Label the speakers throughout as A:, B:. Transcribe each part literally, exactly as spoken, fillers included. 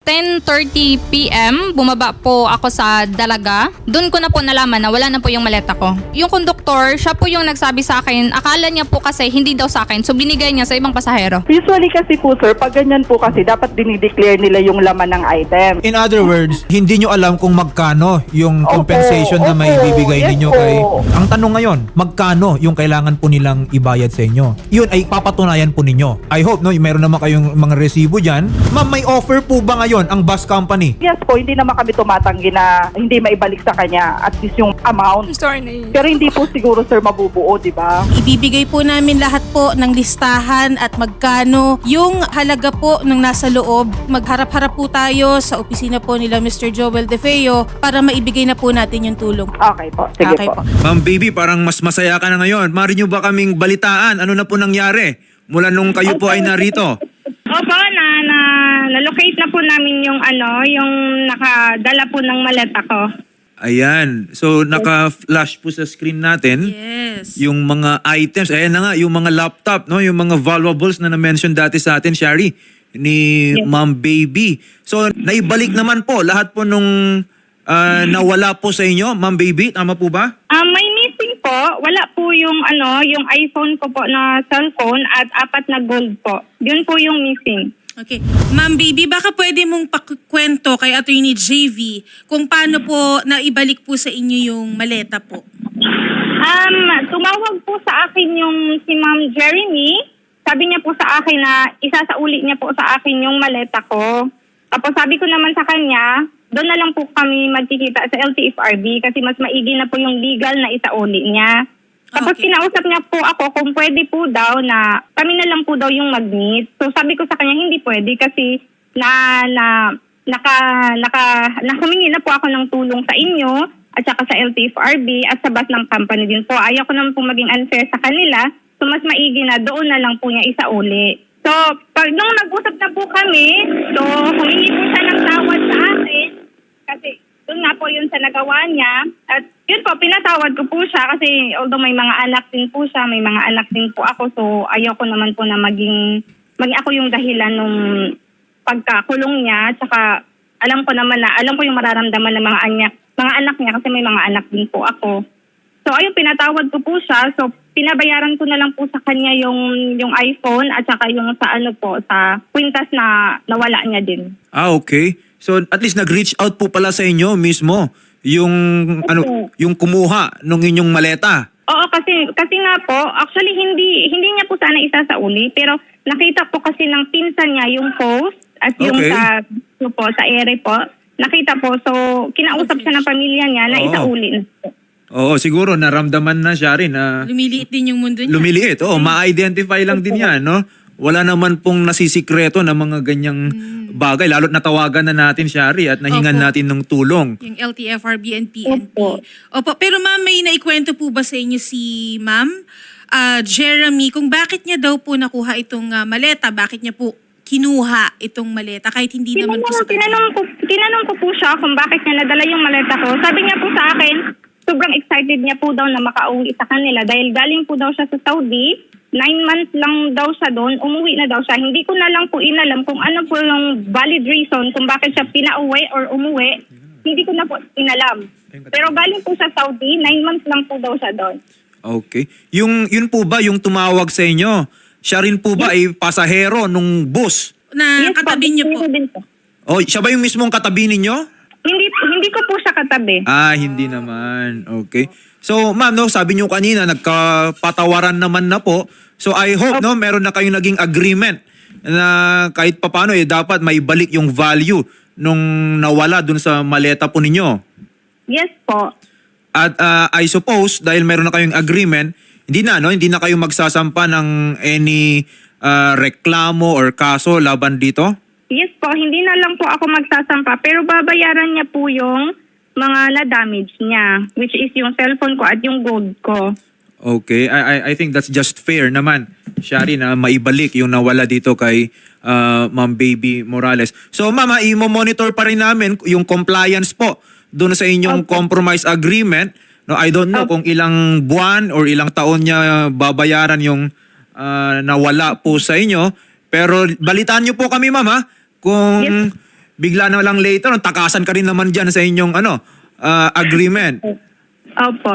A: ten thirty p m, bumaba po ako sa Dalaga. Doon ko na po nalaman na wala na po yung maleta ko. Yung konduktor, siya po yung nagsabi sa akin, akala niya po kasi hindi daw sa akin, so binigay niya sa ibang pasahero.
B: Usually kasi po sir, pag ganyan po kasi dapat dinideclare nila yung laman ng item.
C: In other words, hindi nyo alam kung magkano yung
B: Opo,
C: compensation na may
B: opo,
C: bibigay
B: yes
C: ninyo
B: po.
C: kay... Ang tanong ngayon, magkano yung kailangan po nilang ibayad sa inyo? Yun ay papatunayan po ninyo. I hope, no, meron naman kayong mga resibo dyan. Ma'am, may offer po ba ngayon ang bus company?
B: Yes po, hindi naman kami tumatanggi na hindi maibalik sa kanya at least yung amount.
A: Sorry na
B: Pero hindi po siguro sir mabubuo, di ba?
D: Ibibigay po namin lahat po ng listahan at magkano yung halaga po ng nasa loob. Magharap-harap po tayo sa opisina po nila Mister Joel De Feo para maibigay na po natin yung tulong.
B: Okay po, sige
D: Okay
B: po.
D: po.
C: Ma'am baby, parang mas masaya ka na ngayon. Mari nyo ba kaming balitaan? Ano na po nangyari mula nung kayo po ay narito?
E: Opo, na, na, na-locate na po namin yung ano, yung nakadala po ng maleta ko.
C: Ayan. So, naka-flash po sa screen natin
D: Yes.
C: yung mga items. Ayan na nga, yung mga laptop, no? Yung mga valuables na na-mention dati sa atin, Shari, ni
E: Yes.
C: Ma'am Baby. So, naibalik naman po lahat po nung ah, nawala po sa inyo, Ma'am Baby. Tama po ba?
E: Ah, may missing po. Wala po yung ano, yung iPhone ko po na cellphone at apat na gold po. Yun po yung missing.
D: Okay. Ma'am Baby, baka pwede mong pakwento kay Attorney J V kung paano po naibalik po sa inyo yung maleta po.
E: Um, tumawag po sa akin yung si Ma'am Jeremy. Sabi niya po sa akin na isasauli niya po sa akin yung maleta ko. Tapos sabi ko naman sa kanya, doon na lang po kami magkikita sa L T F R B kasi mas maigi na po yung legal na isauli niya. Tapos
D: Okay.
E: kinausap niya po ako kung pwede po daw na kami na lang po daw yung mag-meet. So sabi ko sa kanya hindi pwede kasi na na naka naka nakamingi na po ako ng tulong sa inyo at saka sa L T F R B at sa bus ng company din po. Ayaw ko naman po maging unfair sa kanila. So mas maigi na doon na lang po niya isauli. So pag nung nag-usap na po kami, so humingi po siya ng tawad sa akin kasi doon nga po yun sa nagawa niya. At yun po, pinatawad ko po siya kasi although may mga anak din po siya, may mga anak din po ako. So ayaw ko naman po na maging, maging ako yung dahilan nung pagkakulong niya. Tsaka alam ko naman na, alam ko yung mararamdaman ng mga anak, mga anak niya kasi may mga anak din po ako. So ayun, pinatawad ko po siya. So pinabayaran ko na lang po sa kanya yung, yung iPhone at saka yung sa ano po, sa kwintas na nawala niya din.
C: Ah, okay. So, at least nag-reach out po pala sa inyo mismo yung, ano, yung kumuha nung inyong maleta.
E: Oo, kasi kasi nga po, actually hindi hindi niya po sana isasauli, pero nakita po kasi ng pinsan niya yung post at yung
C: Okay.
E: sa yung po sa ere po. Nakita po, so kinausap siya ng pamilya niya na
C: Oo.
E: isauli na po.
C: Oo, siguro naramdaman na siya rin na
D: Lumiliit din yung mundo niya.
C: lumiliit. Oo, ma-identify lang din yan, no? Wala naman pong nasisikreto na mga ganyang bagay. Lalo't natawagan na natin, Shari, at nahingan
D: Opo.
C: natin ng tulong.
D: Yung L T F R B and P N P.
E: Opo.
D: Opo. Pero ma'am, may naikwento po ba sa inyo si ma'am ah, Jeremy kung bakit niya daw po nakuha itong ah, maleta? Bakit niya po kinuha itong maleta kahit hindi naman po sa
E: Tinanong, tinanong, ko, tinanong ko po siya kung bakit niya nadala yung maleta ko. Sabi niya po sa akin, sobrang excited niya po daw na makauwi sa kanila dahil galing po daw siya sa Saudi. Nine months lang daw siya doon, umuwi na daw siya. Hindi ko na lang po inalam kung ano po yung valid reason kung bakit siya pinauwi or umuwi. Hindi ko na po inalam. Pero galing po sa Saudi, nine months lang po daw siya doon.
C: Okay. Yung, yun po ba yung tumawag sa inyo? Siya rin po ba ay pasahero nung bus?
D: na katabi niyo po?
E: Din po.
C: O, siya ba yung mismong katabi ninyo?
E: Hindi, hindi ko po siya katabi.
C: Ah, hindi naman. Okay. So, ma'am, no, sabi niyo kanina, nagkapatawaran naman na po. So, I hope, no, meron na kayong naging agreement na kahit papano, eh, dapat may balik yung value nung nawala dun sa maleta po ninyo.
E: Yes po.
C: At ah, I suppose, dahil meron na kayong agreement, hindi na, no, hindi na kayo magsasampa ng any ah, reklamo or kaso laban dito?
E: Yes po, hindi na lang po ako magsasampa pero babayaran niya po yung mga na-damage niya, which is yung cellphone ko at yung gold ko.
C: Okay, I, I, I think that's just fair naman, Shari, na maibalik yung nawala dito kay ah, Ma'am Baby Morales. So, Ma'am, ha, i-monitor pa rin namin yung compliance po doon sa inyong
E: Okay.
C: compromise agreement. No, I don't know kung ilang buwan or ilang taon niya babayaran yung ah, nawala po sa inyo. Pero balitaan niyo po kami, Ma'am, ha? Kung
E: Yes.
C: bigla na lang later, no, takasan ka rin naman dyan sa inyong ano, ah, agreement.
E: Opo.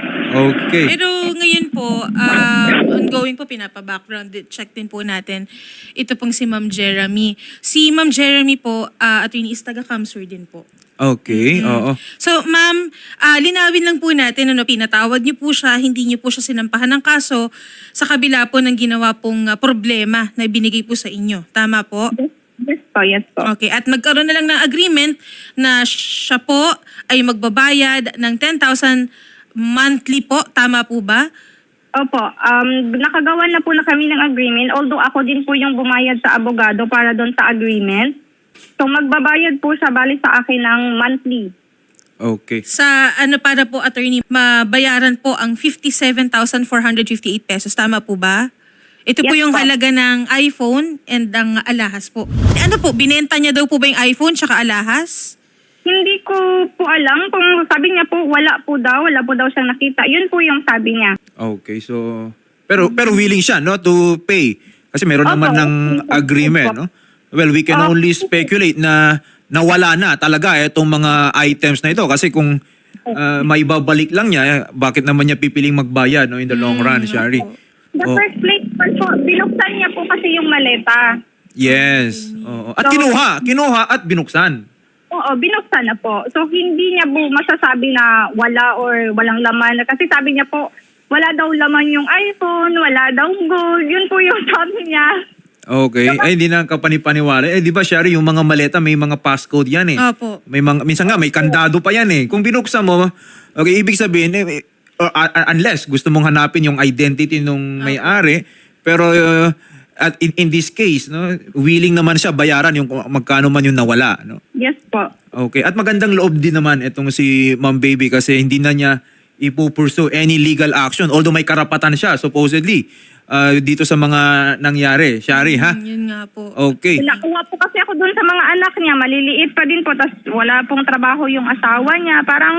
C: Okay.
D: Pero ngayon po, um, ongoing po, pinapa-background check din po natin. Ito pong si Ma'am Jeremy. Si Ma'am Jeremy po, uh, attorney is taga-Kamsur din po.
C: Okay, oo.
D: So, ma'am, ah, linawin lang po natin, ano, pinatawad niyo po siya, hindi niyo po siya sinampahan ng kaso sa kabila po ng ginawa pong ah, problema na binigay po sa inyo. Tama po?
E: Yes po, yes po.
D: Okay, at magkaroon na lang ng agreement na siya po ay magbabayad ng ten thousand monthly po. Tama po ba?
E: Opo, um, nakagawa na po na kami ng agreement, although ako din po yung bumayad sa abogado para doon sa agreement. So magbabayad po siya bali sa akin ng monthly.
C: Okay.
D: Sa ano para po, attorney, mabayaran po ang fifty-seven thousand four hundred fifty-eight pesos. Tama po ba? Ito po
E: Yes
D: yung
E: po.
D: halaga ng iPhone and ang alahas po. Ano po, binenta niya daw po ba yung iPhone tsaka alahas?
E: Hindi ko po alam kung sabi niya po wala po daw, wala po daw siyang nakita. Yun po yung sabi niya.
C: Okay, so pero pero willing siya no to pay kasi meron
E: Opo.
C: naman ng agreement, no? Well, we can
E: Opo.
C: only speculate na nawala na talaga itong mga items na ito kasi kung uh, may babalik lang niya, bakit naman niya pipiling magbayad no in the long run, Shari?
E: The
C: Oh,
E: first place po, binuksan niya po kasi yung maleta.
C: yes. Oo. At
E: So-
C: kinuha, kinuha at binuksan.
E: Oo, binuksan na po. So, hindi niya po masasabi na wala or walang laman. Kasi sabi niya po, wala daw laman yung iPhone, wala daw gold. Yun po yung sabi niya.
C: Okay. Ay, hindi na kapanipaniwala. Eh, di ba, Shari, yung mga maleta, may mga passcode yan eh.
D: Opo.
C: May mga, minsan nga, may kandado pa yan eh. Kung binuksan mo, okay, ibig sabihin, eh, or, uh, unless gusto mong hanapin yung identity nung may-ari, pero uh, at in, in this case, no, willing naman siya bayaran yung kung magkano man yung nawala. No?
E: Yes po.
C: Okay. At magandang loob din naman itong si Ma'am Baby kasi hindi na niya ipupursue any legal action. Although may karapatan siya, supposedly, uh, dito sa mga nangyari. Shari, ha?
D: Mm, yun nga po.
C: Okay.
E: Nakuha po kasi ako dun sa mga anak niya. Maliliit pa din po. Tapos wala pong trabaho yung asawa niya. Parang,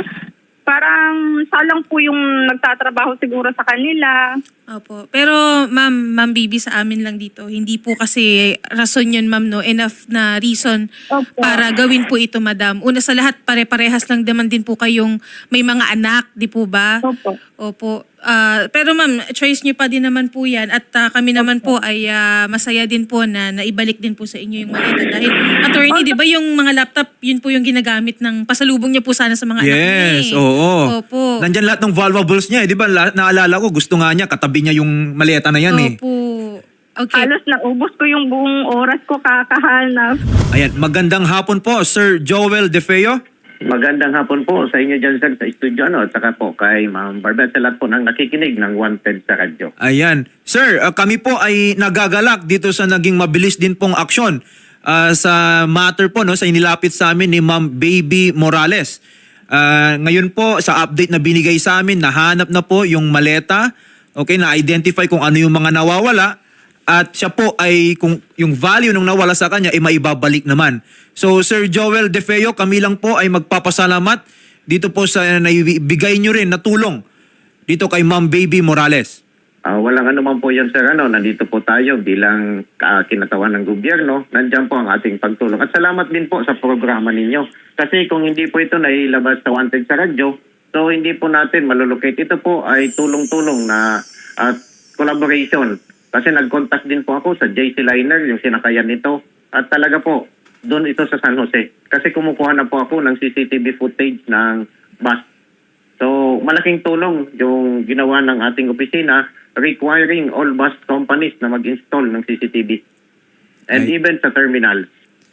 E: parang salang po yung nagtatrabaho siguro sa kanila.
D: Opo. Pero ma'am, ma'am Bibi, sa amin lang dito, hindi po kasi rason yun, ma'am, no? Enough na reason
E: Opo.
D: para gawin po ito, madam. Una sa lahat, pare-parehas lang naman din po kayong may mga anak, di po ba?
E: Opo.
D: Opo. Ah, pero ma'am, choice niyo pa din naman po yan at ah, kami naman po ay ah, masaya din po na naibalik din po sa inyo yung maleta. Dahil, attorney, di ba yung mga laptop, yun po yung ginagamit ng pasalubong niya po sana sa mga anak niya.
C: Yes,
D: eh.
C: oo.
D: Opo.
C: Nandyan lahat ng valuables niya, eh, di ba? La- naalala ko, gusto nga niya, katabi niya yung maleta na yan eh.
D: Opo. Okay.
E: Halos naubos ko yung buong oras ko kakahanap.
C: Ayan, magandang hapon po, Sir Joel De Feo.
F: Magandang hapon po sa inyo dyan, sir, sa studio, ano, at saka po kay Ma'am Barbel, sa lahat po ng nakikinig ng Wanted sa radyo.
C: Ayan. Sir, uh, kami po ay nagagalak dito sa naging mabilis din pong aksyon uh, sa matter po, no, sa inilapit sa amin ni Ma'am Baby Morales. Uh, ngayon po, sa update na binigay sa amin, nahanap na po yung maleta, okay, na-identify kung ano yung mga nawawala, at siya po ay, kung yung value nung nawala sa kanya, ay maibabalik naman. So, Sir Joel De Feo, kami lang po ay magpapasalamat dito po sa naibigay nyo rin na tulong dito kay Ma'am Baby Morales.
F: Ah, walang ano man po yan, sir, ano, nandito po tayo bilang uh, kinatawan ng gobyerno. Nandiyan po ang ating pagtulong. At salamat din po sa programa ninyo. Kasi kung hindi po ito nailabas sa Wanted sa radyo, so hindi po natin malulocate. Ito po ay tulong-tulong na at collaboration. Kasi nag-contact din po ako sa J C Liner, yung sinakayan nito. At talaga po, doon ito sa San Jose. Kasi kumukuha na po ako ng C C T V footage ng bus. So, malaking tulong yung ginawa ng ating opisina requiring all bus companies na mag-install ng C C T V. And
C: Ay.
F: even sa terminal.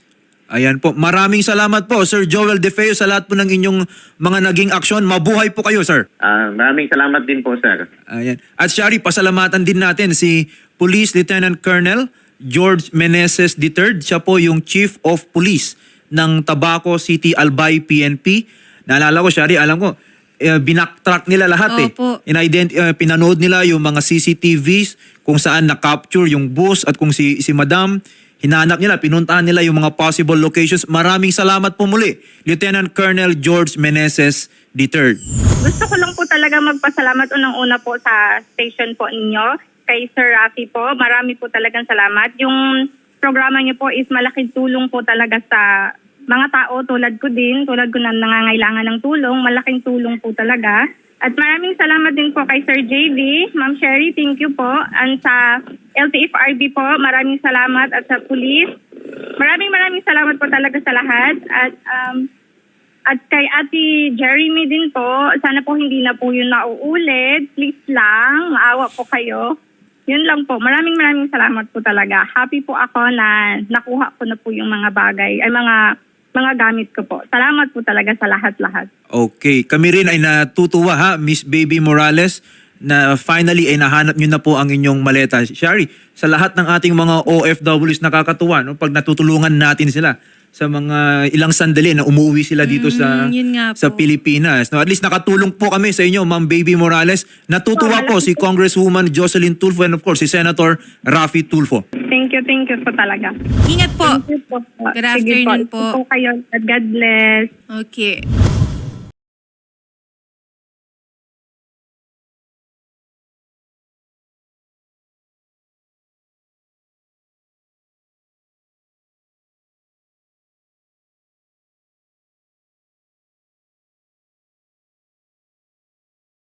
C: Ayan po. Maraming salamat po, Sir Joel De Feo, sa lahat po ng inyong mga naging aksyon. Mabuhay po kayo, sir.
F: Ah, maraming salamat din po, sir.
C: Ayan. At Shari, pasalamatan din natin si Police Lieutenant Colonel George Meneses the third. Siya po yung Chief of Police ng Tabaco City Albay P N P. Naalala ko, Shari, alam ko, eh, binaktrack nila lahat eh.
D: Opo.
C: Inident- uh, pinanood nila yung mga C C T Vs kung saan na-capture yung bus at kung si, si Madam, hinanap nila, pinuntahan nila yung mga possible locations. Maraming salamat po muli, Lieutenant Colonel George Meneses the third.
E: Gusto ko lang po talaga magpasalamat unang-una po sa station po ninyo. Kay Sir Rafi po, marami po talagang salamat. Yung programa niyo po is malaking tulong po talaga sa mga tao tulad ko din, tulad ko na nangangailangan ng tulong, malaking tulong po talaga. At maraming salamat din po kay Sir J V, Ma'am Sherry, thank you po. And sa L T F R B po, maraming salamat at sa police. Maraming maraming salamat po talaga sa lahat. At um, at kay Ate Jeremy din po, sana po hindi na po yun nauulit. Please lang, maawa po kayo. Yun lang po. Maraming maraming salamat po talaga. Happy po ako na nakuha ko na po yung mga bagay, ay mga mga gamit ko po. Salamat po talaga sa lahat-lahat.
C: Okay. Kami rin ay natutuwa ha, Miss Baby Morales, na finally ay nahanap nyo na po ang inyong maleta. Shari, sa lahat ng ating mga O F Ws nakakatuwa, no? Pag natutulungan natin sila sa mga ilang sandali na umuwi sila dito sa
D: Mm, yun nga
C: sa
D: po.
C: Pilipinas. No, at least nakatulong po kami sa inyo, Ma'am Baby Morales. Natutuwa po si Congresswoman Jocelyn Tulfo and of course si Senator Raffy Tulfo.
E: Thank you, thank you po talaga.
D: Ingat po.
E: Thank you po.
D: Good
E: Sige
D: afternoon po.
E: po. kayo. God bless.
D: Okay.